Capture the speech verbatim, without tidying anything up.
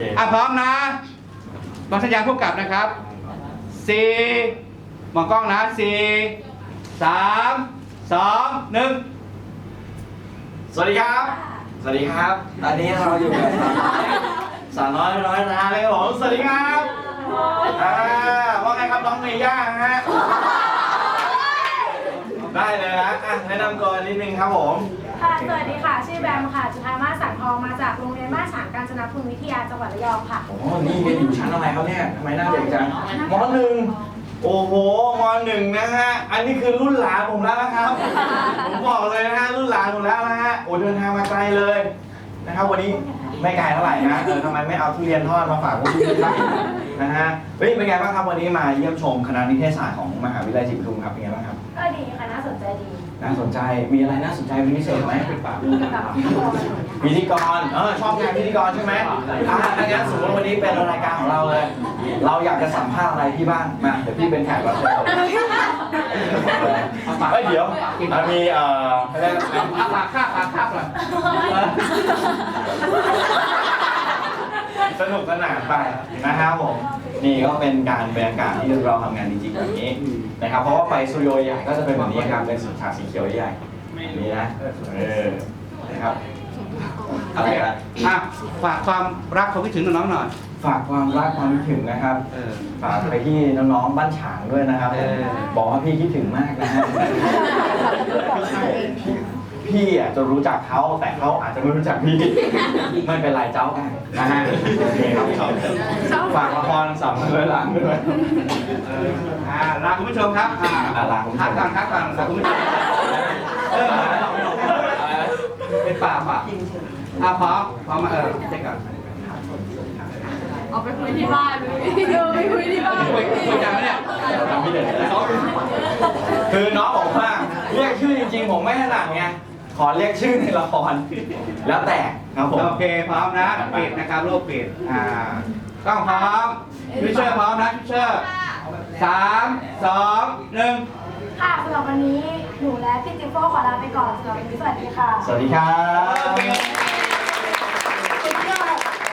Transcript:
อ่ะพร้อมนะบางสัญญาณพบกับนะครับสี่มองกล้องนะสี่สามสองหนึ่งสวัสดีครับ สวัสดีครับ ตอนนี้เราอยู่กับสาวน้อยร้อยล้านเลยครับผมสวัสดีครับอ่าว่าไงครับน้องเมย่าฮะได้เลยนะอ่ะแนะนำตัวนิดนึงครับผมค่ะสวัสดีค่ะ ชื่อแบมค่ะ จุฑามาศสังทอง มาจากโรงเรียนบ้านฉางกาญจนภูมิวิทยา จังหวัดระยองค่ะโอ้นี่เรียนอยู่ชั้นอะไรครับเนี่ยทำไมหน้าเด็กจังมหนึ่งโอ้โหมหนึ่งนะฮะ อันนี้คือรุ่นหลานผมแล้วนะครับ ผมบอกเลยนะฮะ รุ่นหลานผมแล้วนะฮะ โอ้เดินทางมาไกลเลยนะครับ วันนี้ไม่ไกลเท่าไหร่นะ เออทำไมไม่เอาทุเรียนทอดมาฝากพวกพี่บ้างนะฮะ เฮ้ย เป็นไงบ้างครับวันนี้มาเยี่ยมชมคณะนิเทศศาสตร์ของมหาวิทยาลัยศรีปทุมครับ เป็นไงบ้างครับก็ดีค่ะ น่าสนใจดีน่าสนใจ มีอะไรน่าสนใจเป็นพิเศษไหมมีกับพิธีกรพิธีกร เออชอบงานพิธีกรใช่ไหมอ่าถ้างั้นสมมติวันนี้เป็นรายการของเราเลย เราอยากจะสัมภาษณ์อะไรพี่บ้าง มา เดี๋ยวพี่เป็นแขกรับเชิญเฮ้ยเดี๋ยวมันมีเอ่อเรียกอะไรอ่ะปากคาบปากคาบก่อนสนุกสนานไปนะครับผม นี่ก็เป็นการบรรยากาศที่เราทำงานจริงๆแบบนี้นะครับ เพราะว่าไปสตูดิโอใหญ่ก็จะเป็นแบบนี้ครับ เป็นสีฉากสีเขียวใหญ่ๆนี่นะ เออ นะครับ อะไรกันอ่ะฝากความรักความคิดถึงน้องๆหน่อยฝากความรักความคิดถึงนะครับเออฝากไปที่น้องๆบ้านฉางด้วยนะครับเออบอกว่าพี่คิดถึงมากนะฮะพี่พี่อ่ะจะรู้จักเขาแต่เขาอาจจะไม่รู้จักพี่ ไม่เป็นไรเจ้ากันนะฮะโอเคครับฝากละครสามร้อยล้านด้วยเอออ่าลาคุณผู้ชมครับอ่าอ่าลาคุณผู้ชมพักก่อนพักก่อนลาคุณผู้ชมเออเป็นป่าป่าอ่ะพร้อมพร้อมมาเออเช็คก่อนเอาไปคุยที่บ้านเลยเออไปคุยที่บ้านคุยคุยกันไหมเนี่ยทำพี่เด็ดนะคือน้องบอกว่าเรียกชื่อจริงๆผมไม่ถนัดไงขอเรียกชื่อในละครแล้วแต่ครับผมโอเคพร้อมนะปิดนะครับโลกปิดอ่ากล้องพร้อมพิเชอร์พร้อมนะพิเชอร์สามสองหนึ่งค่ะสำหรับวันนี้ หนูและพี่จิ๊บโฟขอลาไปก่อนสำหรับวันนี้สวัสดีค่ะสวัสดีครัโอบ เค